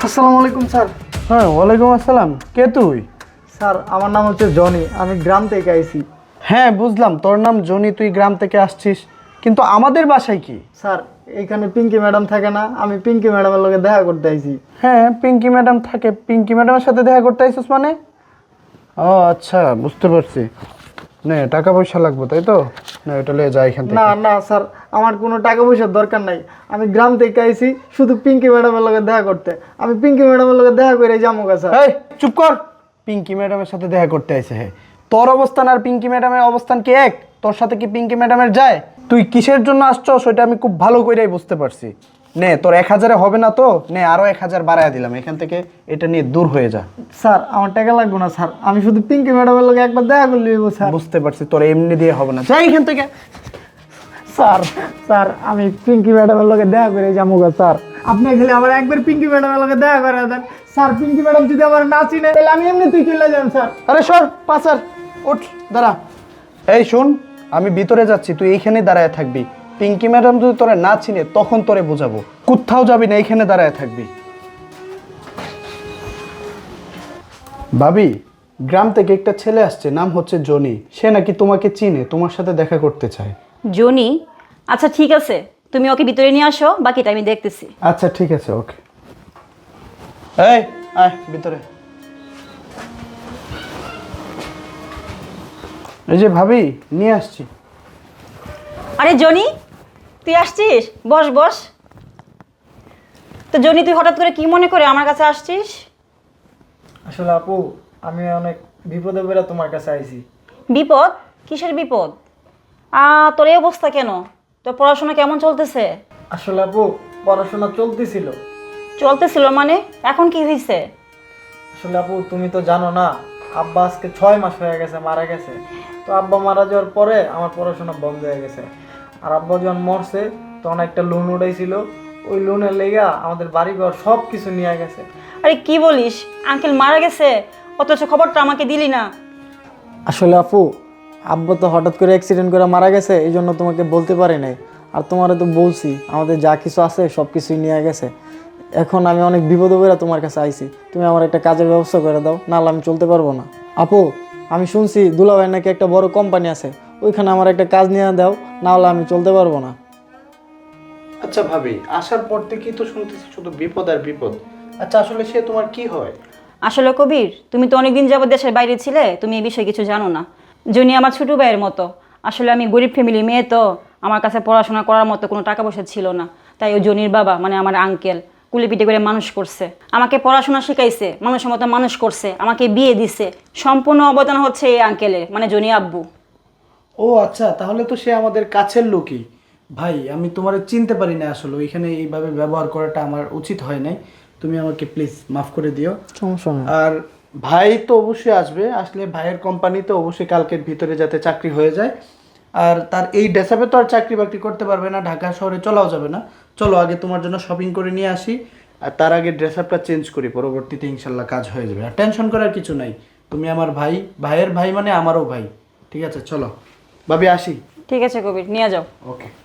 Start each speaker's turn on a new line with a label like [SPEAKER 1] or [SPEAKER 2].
[SPEAKER 1] আসসালামু আলাইকুম স্যার।
[SPEAKER 2] হ্যাঁ, ওয়ালাইকুম আসসালাম। কে তুই?
[SPEAKER 1] স্যার আমার নাম হচ্ছে জনি, আমি গ্রাম থেকে আইছি।
[SPEAKER 2] হ্যাঁ বুঝলাম, তোর নাম জনি, তুই গ্রাম থেকে আসছিস, কিন্তু আমাদের বাসায় কি?
[SPEAKER 1] স্যার এইখানে পিঙ্কি ম্যাডাম থাকে না, আমি পিঙ্কি ম্যাডামের লগে দেখা করতে আইছি।
[SPEAKER 2] হ্যাঁ পিঙ্কি ম্যাডাম থাকে, পিঙ্কি ম্যাডামের সাথে দেখা করতে আইছিস মানে? ও আচ্ছা, বুঝতে পারছি। নে, টাকা পয়সা লাগবে তাই তো? না, এটা লিয়ে যা এখান থেকে।
[SPEAKER 1] না না স্যার, আমার কোনো টাকা পয়সার দরকার নাই। আমি গ্রাম থেকে আইছি শুধু পিঙ্কি ম্যাডামের লগে দেখা করতে। আমি পিঙ্কি ম্যাডামের লগে দেখা করে যাবো গা স্যার।
[SPEAKER 2] এই চুপ কর। পিঙ্কি ম্যাডামের সাথে দেখা করতে আইছে? হ্যাঁ, তোর অবস্থান আর পিঙ্কি ম্যাডামের অবস্থান কি এক? তোর সাথে কি পিঙ্কি ম্যাডামের যায়? তুই কিসের জন্য আসছো সেটা আমি খুব ভালো করেই বুঝতে পারছি। নে, তোর 1000-এ হবে না তো নে, আরো 1000 বাড়ায় দিলাম, এখান থেকে এটা নিয়ে দূর হয়ে যা।
[SPEAKER 1] স্যার আমার টাকা লাগবে না স্যার, আমি শুধু পিঙ্কি ম্যাডামের লগে একবার দেখা করলে হইবো স্যার।
[SPEAKER 2] বুঝতে পারছি, তোর এমনি দিয়ে হবে না, যা এখান থেকে।
[SPEAKER 1] স্যার স্যার আমি পিঙ্কি ম্যাডামের লগে দেখা করে যাবো গা স্যার। আপনি খালি আমার একবার পিঙ্কি ম্যাডামের লগে দেখা করে দেন স্যার। পিঙ্কি ম্যাডাম যদি আমার না চিনে তাহলে আমি এমনিতেই চলে যান স্যার।
[SPEAKER 2] আরে সর পাচার, উঠ, দাঁড়া। এই শুন, আমি ভিতরে যাচ্ছি, তুই এইখানেই দাঁড়ায় থাকবি। পিঙ্কি ম্যাডাম যদি তোরে না চিনে তখন তোরে বোঝাবো। কোথাও যাবি না, এইখানে দাঁড়ায় থাকবি। ভাবি, গ্রাম থেকে একটা ছেলে আসছে, নাম হচ্ছে জনি। সে নাকি তোমাকে চিনে, তোমার সাথে দেখা করতে চায়।
[SPEAKER 3] জনি? আচ্ছা ঠিক আছে, তুমি ওকে ভিতরে নিয়ে আসো, বাকিটা আমি দেখতেছি।
[SPEAKER 2] আচ্ছা ঠিক আছে, ওকে। এই আয় ভিতরে। এই যে ভাবি, নিয়ে আসছি।
[SPEAKER 3] আরে জনি, তুই আসছিস? বস বস। তো জনি, তুই হঠাৎ করে কি মনে করে আমার কাছে আসছিস?
[SPEAKER 1] আসলে আপু, আমি অনেক বিপদে পড়ে তোমার কাছে আইছি।
[SPEAKER 3] বিপদ? কিসের বিপদ? তোর এই অবস্থা কেন? তোর পড়াশোনা কেমন চলতেছে?
[SPEAKER 1] আসলে আপু, পড়াশোনা চলতেছিল।
[SPEAKER 3] চলতেছিল মানে? এখন কি হয়েছে?
[SPEAKER 1] আসলে আপু তুমি তো জানো না, আব্বা আজকে 6 মাস হয়ে গেছে মারা গেছে। তো আব্বা মারা যাওয়ার পরে আমার পড়াশোনা বন্ধ হয়ে গেছে। আর আব্বা যখন মরছে তখন একটা লোন উঠাইছিল, ওই লোনের লেগা আমাদের বাড়ি ঘর সব কিছু নিয়ে গেছে।
[SPEAKER 3] আরে কি বলিস, আঙ্কেল মারা গেছে? অথচ খবরটা আমাকে দিলি না।
[SPEAKER 1] আসলে আপু, আব্বা তো হঠাৎ করে অ্যাক্সিডেন্ট করে মারা গেছে, এই জন্য তোমাকে বলতে পারি নাই। আর তোমারে তো বলছি আমাদের যা কিছু আছে সব কিছুই নিয়ে গেছে। এখন আমি অনেক বিপদে পড়ে তোমার কাছে আইছি, তুমি আমার একটা কাজের ব্যবস্থা করে দাও, নাহলে আমি চলতে পারবো না। আপু, আমি শুনছি দুলাভাই নাকি একটা বড় কোম্পানি আছে, ওইখানে আমার একটা কাজ নিয়ে দাও, নাহলে আমি চলতে পারবো না।
[SPEAKER 2] আচ্ছা ভাবি, আসার পর থেকেই তো শুনতেছি শুধু বিপদ আর বিপদ। আচ্ছা আসলে সে তোমার কি হয়?
[SPEAKER 3] আসলে কবির, তুমি তো অনেকদিন যাবত দেশের বাইরে ছিলে, তুমি এই বিষয়ে কিছু জানো না। জনি আমার ছোট ভাইয়ের মতো। আসলে আমি গরিব ফ্যামিলির মেয়ে, তো আমার কাছে পড়াশোনা করার মতো কোনো টাকা পয়সা ছিল না। তাই ওই জনির বাবা মানে আমার আঙ্কেল কুলিপিটি করে মানুষ করছে, আমাকে পড়াশোনা শিখাইছে, মানুষের মতো মানুষ করছে, আমাকে বিয়ে দিছে। সম্পূর্ণ অবদান হচ্ছে এই আঙ্কেলের, মানে জনি আব্বু।
[SPEAKER 2] ও আচ্ছা, তাহলে তো সে আমাদের কাছের লোকই। ভাই, আমি তোমারে চিনতে পারি না আসলে, ওইখানে এইভাবে ব্যবহার করাটা আমার উচিত হয় নাই। তুমি আমাকে প্লিজ মাফ করে দিও।
[SPEAKER 1] সমস্যা নেই।
[SPEAKER 2] আর ভাই তো অবশ্যই আসবে, আসলে ভাইয়ের কোম্পানিতে অবশ্যই কালকের ভিতরে যাতে চাকরি হয়ে যায়। আর তার এই ডেসাপে তো আর চাকরি বাকরি করতে পারবে না, ঢাকা শহরে চলাও যাবে না। চলো আগে তোমার জন্য শপিং করে নিয়ে আসি, আর তার আগে ড্রেসআপটা চেঞ্জ করি, পরবর্তীতে ইনশাল্লাহ কাজ হয়ে যাবে। আর টেনশন করার কিছু নাই, তুমি আমার ভাই, ভাইয়ের ভাই মানে আমারও ভাই। ঠিক আছে চলো ভাবি, আসি।
[SPEAKER 3] ঠিক আছে কবির, নিয়ে যাও।
[SPEAKER 2] ওকে।